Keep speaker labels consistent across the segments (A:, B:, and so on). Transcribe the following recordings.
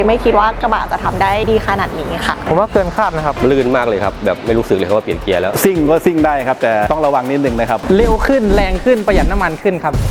A: ไม่คิดว่ากระบะจะทำได้ดีขนาดนี้ค่ะ
B: ผมว่าเกินคาดนะครับ
C: ลื่นมากเลยครับแบบไม่รู้สึกเลยครับว่าเปลี่ยนเกียร์แล้ว
D: ซิ่งก็ซิ่งได้ครับแต่ต้องระวังนิดนึงนะครับ
B: เร็วขึ้นแรงขึ้นประหยัดน้ำมันขึ้นครับ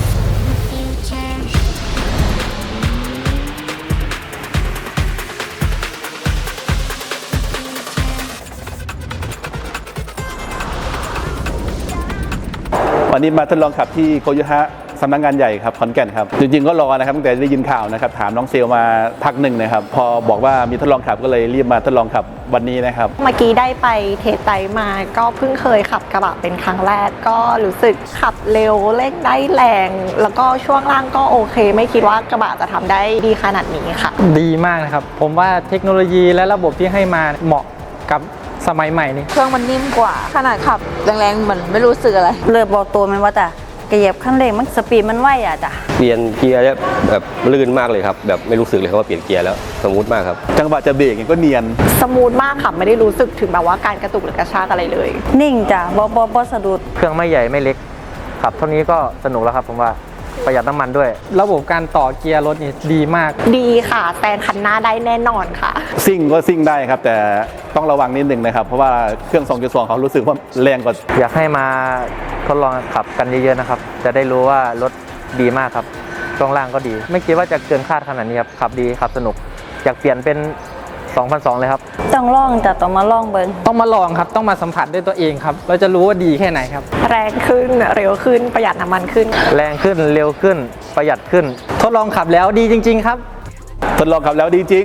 D: วันนี้มาทดลองขับที่โคโยฮะสำนักงานใหญ่ครับขอนแก่นครับจริงๆก็รอนะครับตั้งแต่ได้ยินข่าวนะครับถามน้องเซลมาพักหนึ่งนะครับพอบอกว่ามีทดลองขับก็เลยรีบมาทดลองขับวันนี้นะครับ
A: เมื่อกี้ได้ไปเทสไดมาก็เพิ่งเคยขับกระบะเป็นครั้งแรกก็รู้สึกขับเร็วเร่งได้แรงแล้วก็ช่วงล่างก็โอเคไม่คิดว่ากระบะจะทำได้ดีขนาดนี้ค่ะ
B: ดีมากนะครับผมว่าเทคโนโลยีและระบบที่ให้มาเหมาะกับสมัยใหม่นี้
E: เครื่องมันนิ่มกว่าขนาดขับแรงๆเหมือนไม่รู้สึกอะไร
F: เลิกบอกตัวมันว่าจ้ะกระเหยียบขั้นเร่งมันสปีดมันไวอ่ะจ้ะ
C: เปลี่ยนเกียร์แล้วแบบลื่นมากเลยครับแบบไม่รู้สึกเลยครับว่าเปลี่ยนเกียร์แล้วสมูทมากครับ
D: จังหวะจะเบรกก็เนียน
A: สมูทมากค่ะไม่ได้รู้สึกถึงแบบว่าการกระตุกหรือกระชากอะไรเลย
F: นิ่งจ้ะบ่สะดุด
B: เครื่องไม่ใหญ่ไม่เล็กขับเท่านี้ก็สนุกแล้วครับผมว่าประหยัดน้ำมันด้วยระบบการต่อเกียร์รถนี่ดีมาก
A: ดีค่ะแซงคันหน้าได้แน่นอนค่ะ
D: ซิ่งก็ซิ่งได้ครับแต่ต้องระวังนิดนึงนะครับเพราะว่าเครื่อง 2.2 เขารู้สึกว่าแรงกว่า
B: อยากให้มาทดลองขับกันเยอะๆนะครับจะได้รู้ว่ารถดีมากครับช่วงล่างก็ดีไม่คิดว่าจะเกินคาดขนาดนี้ครับขับดีขับสนุกอยากเปลี่ยนเป็น2002เลยครับ
F: ต้องลองจ้ะต้องมาลองเบิ้ง
B: ต้องมาลองครับต้องมาสัมผัสด้วยตัวเองครับเราจะรู้ว่าดีแค่ไหนครับ
A: แรงขึ้นเร็วขึ้นประหยัดน้ำมันขึ้น
B: แรงขึ้นเร็วขึ้นประหยัดขึ้นทดลองขับแล้วดีจริงๆครับ
D: ทดลองขับแล้วดีจริง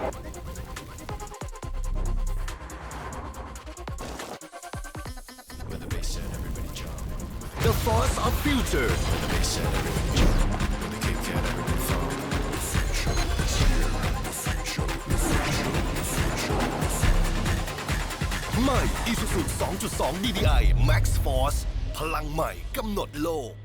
G: The Force of Future ใหม่ Isuzu 2.2 DDI Max Force พลังใหม่กำหนดโลก